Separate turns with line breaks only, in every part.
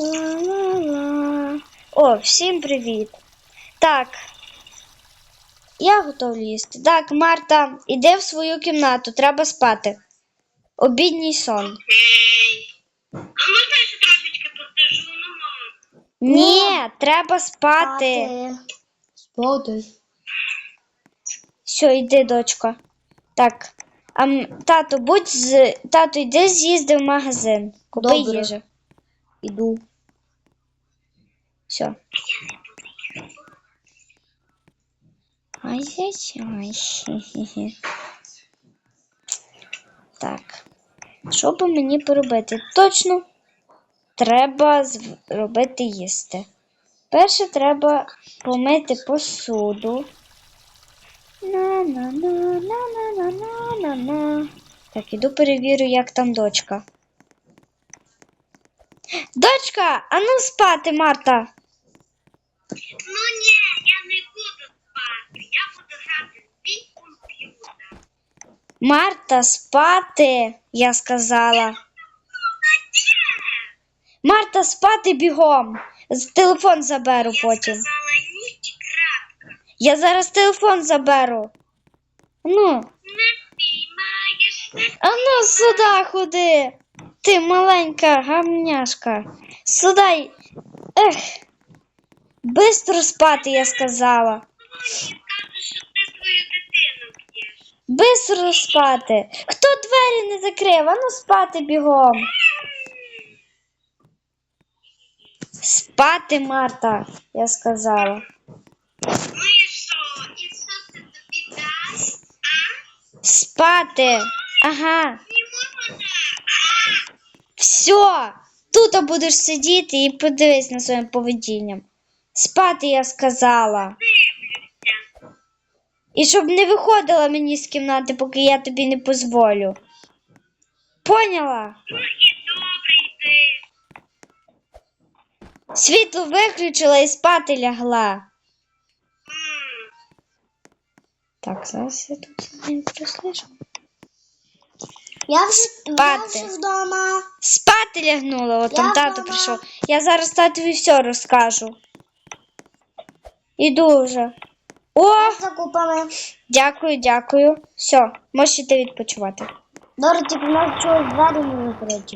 Ла-ла-ла. О, всім привіт. Так, я готова їсти. Так, Марта, іди в свою кімнату, треба спати. Обідній сон.
Окей. А можна я ще трошечки посижу?
Ні, треба спати.
Спати.
Все, йди, дочка. Так. Тато, йди з'їзди в магазин. Купи
Добре.
їжу.
Іду.
Все. Ай-яй-яй. Хе-хе-хе. Так. Що би мені поробити? Точно треба зробити їсти. Перше треба помити посуду. На-на-на-на-на-на-на-на. Так, іду перевірю, як там дочка. Дочка, а ну спати, Марта.
Ну ні, я не буду спати. Я буду грати в свій комп'ютер.
Марта, спати, я сказала. Марта, спати бігом. Телефон заберу потім.
Я сказала ні і крапка.
Я зараз телефон заберу. Ну,
Не спіймаєш, не
а ну сюди ходи. Ти маленька гамняшка. Сюди. Ех. Бистро спати, я сказала.
скажеш, що ти свою дитину б'єш.
Бистро спати. Хто двері не закрив? А ну спати бігом. Спати, Марта, я сказала.
Ну і що? І що це тобі дасть?
Спати. Ага.
Не можна.
Все. Тут будеш сидіти і подивись на своїм поведінням. Спати, я сказала.
Дивлюся.
І щоб не виходила мені з кімнати, поки я тобі не дозволю. Поняла?
Ну і добре йди.
Світло виключила і спати лягла. Так, зараз я тут не прослежу.
Я
Спати.
вже вдома.
Спати лягнула, от там
Я
тато
вдома.
прийшов. Я зараз татові все розкажу. Іду вже. О,
З закупами.
дякую. Все, можеш іти відпочивати.
Добре, тільки нас чогось двері не закриті.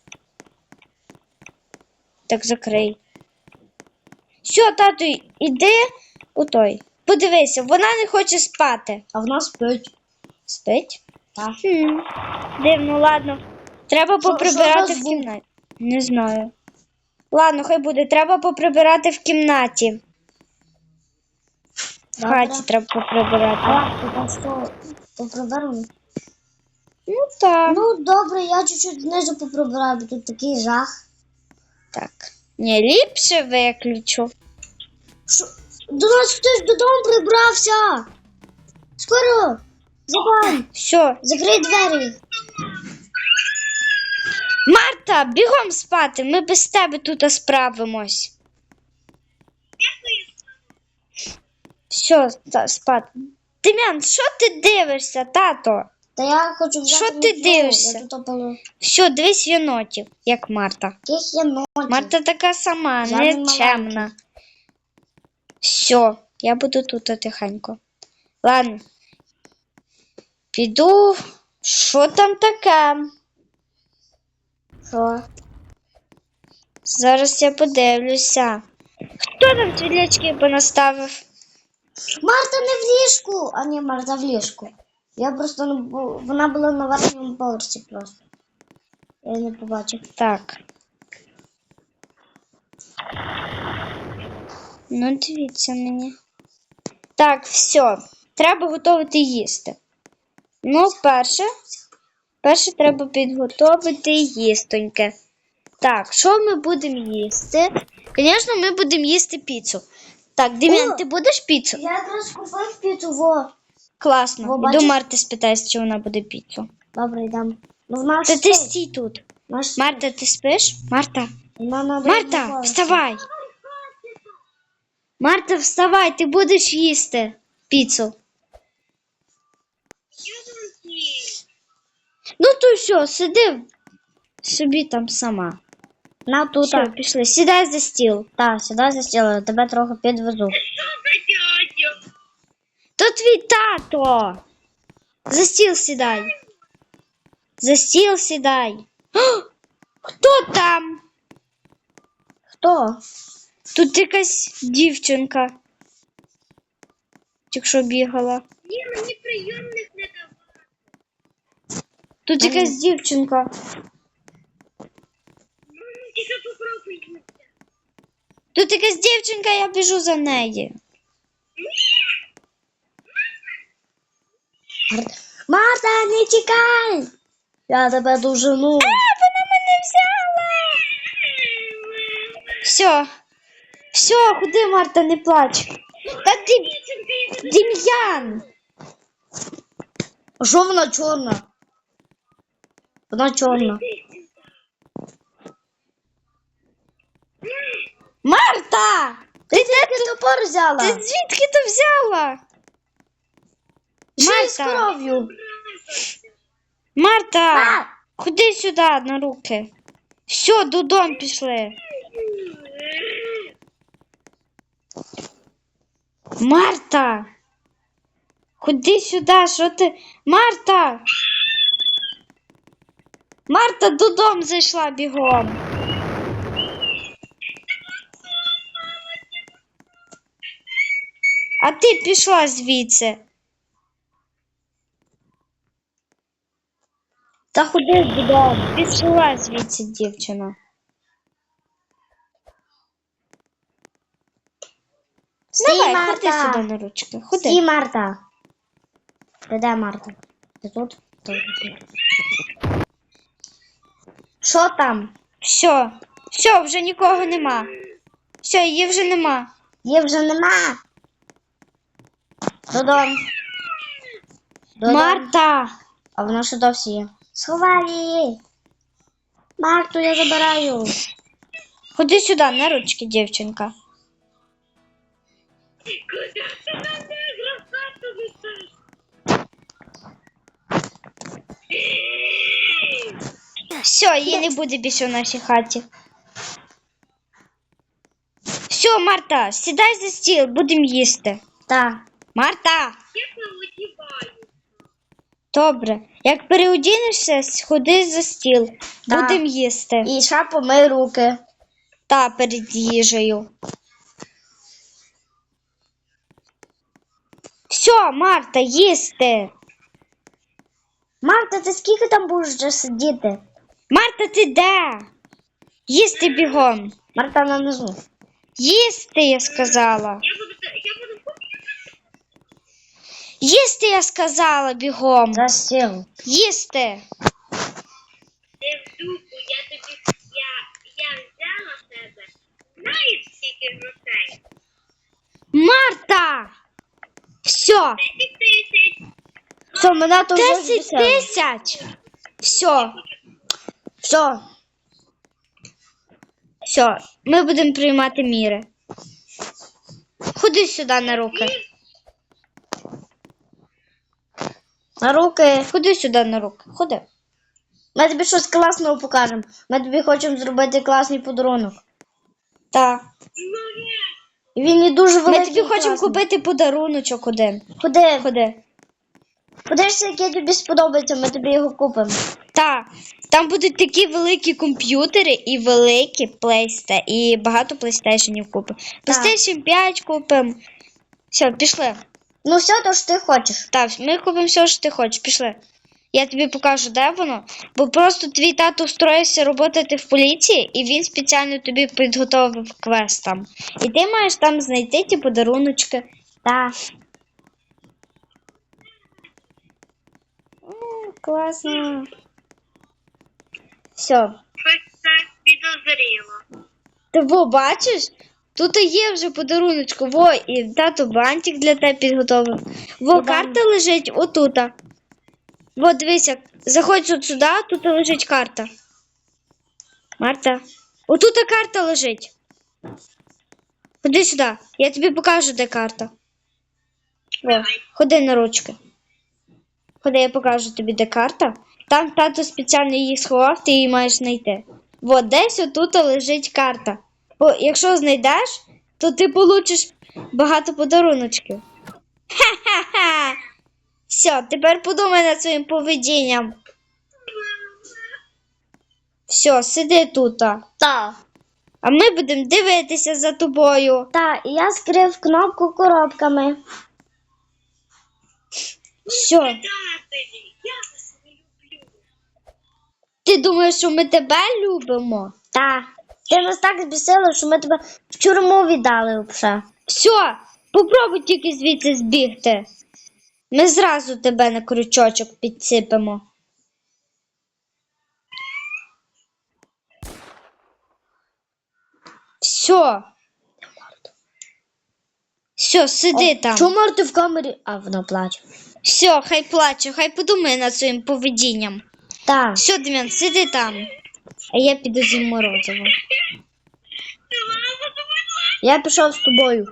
Так закрий. Все, тату, іди у той. Подивися, вона не хоче спати.
А в нас спить.
Спить?
Так.
Дивно, ладно. Треба
Що
поприбирати
за
в
звук?
кімнаті. Не знаю. Ладно, хай буде. Треба поприбирати в кімнаті. В
Добре.
хаті треба поприбирати.
А, ти там що? Поприберемо?
Ну так.
Ну, добре, я чуть-чуть знизу поприбираю, бо тут такий жах.
Так. Ні, ліпше виключу.
Що? До нас хтось додому прибрався. Скоро. Забай.
Все.
Закрий двері.
Марта, бігом спати. Ми без тебе тут справимось. Все, спати. Дем'ян, що ти дивишся, тато?
Та я хочу взяти
Що ти
мітлу.
дивишся?
Я тут опалю.
Все, дивись єнотів, як Марта.
Яких є ноті?
Марта така сама,
Жадний
нечемна. Все, я буду тут тихенько. Ладно. Піду. Що там таке?
Що?
Зараз я подивлюся. Хто там світлячки понаставив?
Марта не в ліжку. А ні, Марта в ліжку. Я просто не вона була на верхньому поверсі просто. Я її не побачив.
Так. Ну, дивіться мені. Так, все. Треба готувати їсти. Ну, перше треба підготувати їстоньке. Так, що ми будемо їсти? Звісно, ми будемо їсти піцу. Так, Дем'ян,
О!
ти будеш піцу?
Я якраз купив піцу, во.
Класно.
Во,
Іду
бачиш?
Марти спитаюсь, чи вона буде піцу.
Добре, йдемо. Ну, в нас
Та ти стій тут.
Наш...
Марта, ти спиш? Марта?
Марта,
Марта, вставай. Марта, вставай, ти будеш їсти піцу. Ну то що, сиди собі там сама.
На тут.
Все, пішли. Сідай за стіл.
Так, сюди застіли, тебе трохи підвезу.
Що за дядя?
То твій тато. За стіл сідай. За стіл сідай. О, хто там?
Хто?
Тут якась дівчинка. Тільки що бігала.
Ні, мені прийомник не давав.
Тут якась дівчинка.
Тільки попробуй.
Тут якась дівчинка, я біжу за нею.
Марта, не тікай! Я тебе дожену.
Вона мене взяла. Все. Все, ходи, Марта, не плач. Та ти Дем'ян.
А що вона чорна? Вона чорна.
Марта!
Ти тільки топор взяла.
Ти звідки ти взяла?
Ще й з
Марта,
кров'ю.
Марта,
А!
ходи сюди на руки. Все, додому пішли. Марта! Ходи сюди, що ти? Марта! Марта додому зайшла бігом. А ти пішла звідси. Та ходи додому. Пішла звідси, дівчина. Давай, ходи
Марта.
сюди на ручки. Ходи.
Стій, Марта. Ти де, Марта? Ти тут? Тут. Що там?
Все, все, вже нікого нема. Все, її вже нема.
Її вже нема. Додому. Додому.
Марта!
А вона ще досі є. Сховай її. Марту я забираю.
Ходи сюди, на ручки, дівчинка.
Куди ти мене грозати висиш?
Все, її не буде більше в нашій хаті. Все, Марта, сідай за стіл, будемо їсти.
Так.
Марта!
Я переодіваю.
Добре. Як переодінешся, сходи за стіл.
Так.
Будемо їсти.
І ще помий руки.
Та перед їжею. Все, Марта, їсти.
Марта, ти скільки там будеш вже сидіти?
Марта, ти де? Їсти бігом.
Марта на низу.
Їсти, я сказала.
Я буду
Їсти, я сказала, бігом.
За стіл.
Їсти.
Ти в дупу, я взяла в тебе. Знаєш, скільки грошей?
Марта! Все,
10 тисяч.
Все, мене то вже
10
збісило.
тисяч. Все,
Все.
все, ми будемо приймати міри. Ходи сюди на руки.
На руки.
Ходи сюди на руки. Ходи.
Ми тобі щось класного покажемо. Ми тобі хочемо зробити класний подарунок.
Так.
І він не дуже великий.
Ми тобі
і
хочемо
класний.
купити подаруночок один.
Ходи.
Ходи.
Подивишся, який тобі сподобається, ми тобі його купимо.
Так. Там будуть такі великі комп'ютери і великі PlayStation, і багато PlayStationів купимо. PlayStation 5 купимо. Все, пішли.
Ну все, то що ти хочеш.
Так, ми купимо все, що ти хочеш. Пішли. Я тобі покажу, де воно. Бо просто твій тато встроївся роботати в поліції, і він спеціально тобі підготовив квест там. І ти маєш там знайти ті подаруночки.
Так.
Класно. Все.
Щось це підозріло.
Ти во, бачиш? Тут є вже подаруночку. Во, і тато бантик для тебе підготовив. Во, карта лежить отута. Во, дивися, заходь от сюди, тут лежить карта. Марта. Отута карта лежить. Ходи сюди, я тобі покажу, де карта. Во, ходи на ручки. Ходи, я покажу тобі, де карта. Там тато спеціально її сховав, ти її маєш знайти. От десь отут лежить карта. Бо якщо знайдеш, то ти получиш багато подаруночків. Ха-ха-ха! Все, тепер подумай над своїм поведінням. Все, сиди тут.
Так.
А ми будемо дивитися за тобою.
Так, і я скрив кнопку коробками.
Все.
Предателі, я вас не люблю.
Ти думаєш, що ми тебе любимо?
Так. Ти нас так збісила, що ми тебе в тюрму віддали вже.
Все, попробуй тільки звідси збігти. Ми зразу тебе на крючочок підсипемо. Все. Все, сиди там.
Чому Марта в камері? А, вона плаче.
Все, хай плаче, хай подумає над своїм поведінням.
Так.
Все, Дем'ян, сиди там. А я піду зі морозиво.
Я пішов з тобою.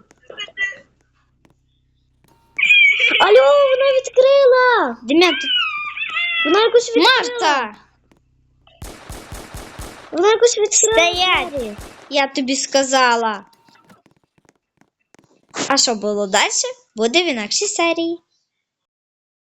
Алло, вона відкрила!
Дем'ян, тут
Вона якось відкрила.
Марта!
Вона якось відкрила.
Стоять!
двері.
Я тобі сказала. А що було далі? Буде в інакшій серії.